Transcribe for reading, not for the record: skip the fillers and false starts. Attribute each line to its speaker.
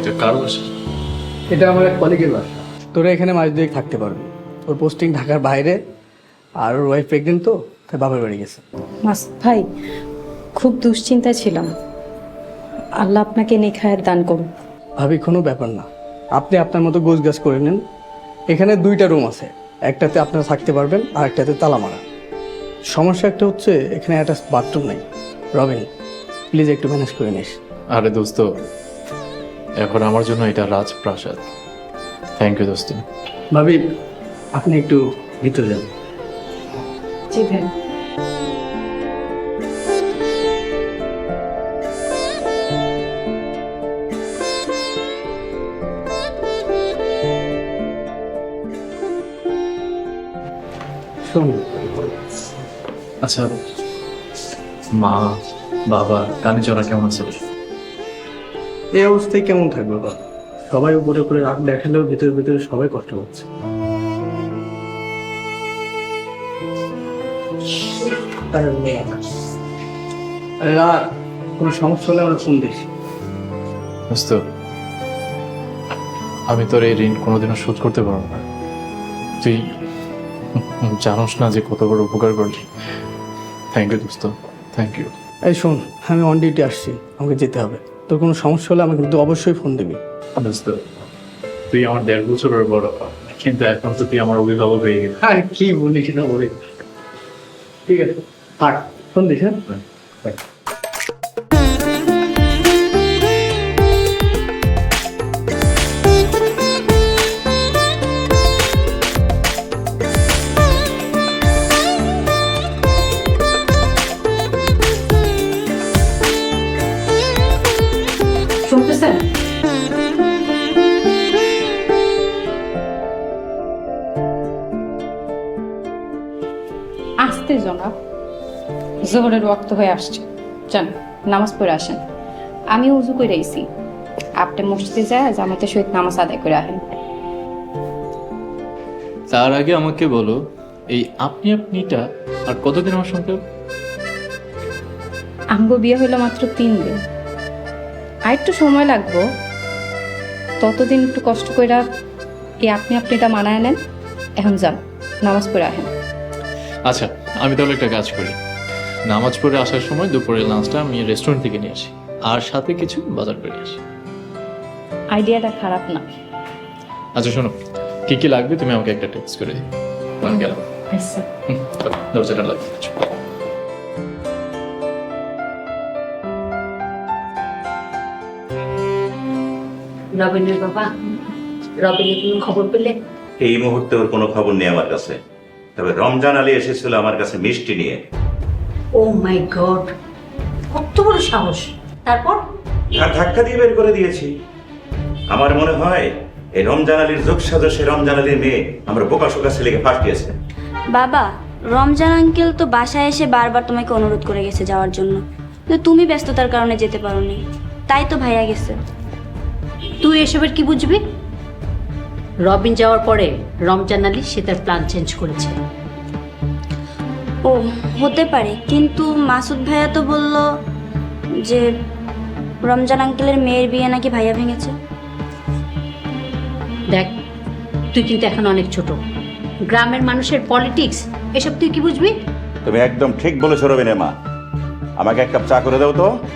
Speaker 1: এটা কার বাসা?
Speaker 2: এটা আমার এক কলিগের বাসা। তোরা এখানে মাস দুয়েক থাকতে পারবি। ওর পোস্টিং ঢাকার বাইরে, আর ওর ওয়াইফ প্রেগনেন্ট, তো তাই বাবার বাড়ি গেছে।
Speaker 3: মাসুদ ভাই, খুব দুশ্চিন্তায় ছিলাম। আল্লাহ আপনাকে নেখায়ের দান করুন।
Speaker 2: ভাবি, কোনো ব্যাপার না, আপনি আপনার মতো গোছগাছ করে নেন। এখানে 2টা রুম আছে, একটাতে আপনারা থাকতে পারবেন আর একটাতে তালা মারা। সমস্যা একটা হচ্ছে এখানে অ্যাটাচ বাথরুম নেই। রবিন, প্লিজ একটু ম্যানেজ করে নিস।
Speaker 1: আরে দোস্ত, এখন আমার জন্য এটা রাজপ্রাসাদ। থ্যাংক ইউ দোস্ত।
Speaker 2: ভাবি, আপনি একটু ভিতরে যান।
Speaker 3: জি ভাই।
Speaker 2: শোন,
Speaker 1: আচ্ছা, মা বাবা কানে চড়া কেমন আছে?
Speaker 2: এই অবস্থায় কেমন থাকবে বাবা? সবাই উপরে উপরে রাগ দেখালেও ভিতরে ভিতরে সবাই কষ্ট পাচ্ছে। আরে রাগ, কোনো সমস্যা হলে আমরা ফোন দিস।
Speaker 1: দোস্ত, আমি তোর এই ঋণ কোনোদিনও শোধ করতে পারবো না। তুই জানোস না যে কত বড় উপকার করলি। থ্যাংক ইউ দোস্ত, থ্যাংক ইউ।
Speaker 2: এই শোন, আমি অন ডিউটি আসছি, আমাকে যেতে হবে। তোর কোনো সমস্যা হলে আমাকে কিন্তু অবশ্যই ফোন দিবি।
Speaker 1: দোস্ত, তুই আমার 1.5 বছরের বড়, কিন্তু এখন তো তুই আমার অভিভাবক হয়ে গেলি।
Speaker 2: আর কি বলিস না বলি। ঠিক আছে, থাক, ফোন দিস। হ্যাঁ,
Speaker 3: শুনতেছেন? আসতে জনাব, জোহরের ওয়াক্ত হয়ে আসছে। যান, নামাজ পড়ে আসেন। আমি উজু করে আইছি, আপনি মসজিদে যায় জামাতের সহিত নামাজ আদায় করে আসেন।
Speaker 1: তার আগে আমাকে বলো, এই আপনি আপনিটা আর কতদিন আমার সঙ্গে?
Speaker 3: আমগো বিয়ে হইলো মাত্র 3 দিন, আর একটু সময় লাগবো। ততদিন একটু কষ্ট কইরা এই আপনি আপনিটা মানায় নেন। এখন যান, নামাজ পড়ে আসেন।
Speaker 1: আচ্ছা, আমি তাহলে একটা কাজ করি, নামাজ পড়ে আসার সময় দুপুরের লাঞ্চটা আমি রেস্টুরেন্ট থেকে নিয়ে আসি, আর সাথে কিছু বাজার করে আসি।
Speaker 3: আইডিয়াটা খারাপ না।
Speaker 1: আচ্ছা শোনো, কি কি লাগবে তুমি আমাকে একটা টেক্সট করে দিও। আমি গেলাম।
Speaker 3: আচ্ছা।
Speaker 1: দরজাটা লাগবে।
Speaker 4: রবিনের বাবা, রবিনের কোনো খবর পেলে?
Speaker 5: এই মুহূর্তে ওর কোনো খবর নেই আমার কাছে। তবে রমজান আলী এসেছিল আমার কাছে মিষ্টি নিয়ে।
Speaker 4: ও মাই গড, কত বড় সাহস! তারপর?
Speaker 5: আর ধাক্কা দিয়ে বের করে দিয়েছি। আমার মনে হয় এই রমজান আলীর যোগসাজশে রমজান আলীর মেয়ে আমার বোকাশোকা ছেলেকে ফাঁসিয়েছে।
Speaker 6: বাবা, রমজান আঙ্কেল তো বাসায় এসে বারবার তোমাকে অনুরোধ করে গেছে যাওয়ার জন্য, কিন্তু তুমি ব্যস্ততার কারণে যেতে পারোনি, তাই তো ভাইয়া গেছে।
Speaker 4: তুই এসবের কি বুঝবি? রবিন যাওয়ার পরে রমজান আলী সে তার প্ল্যান চেঞ্জ করেছে।
Speaker 6: ও হতে পারে, কিন্তু মাসুদ ভাইয়া তো বলল যে রমজান আঙ্কেলের মেয়ের বিয়ে নাকি ভাইয়া ভেঙেছে।
Speaker 4: দেখ, তুই কিন্তু এখন অনেক ছোট, গ্রামের মানুষের পলিটিক্স এসব তুই কি বুঝবি?
Speaker 5: তুমি একদম ঠিক বলেছো রবিনের মা। আমাকে এক কাপ চা করে দাও তো।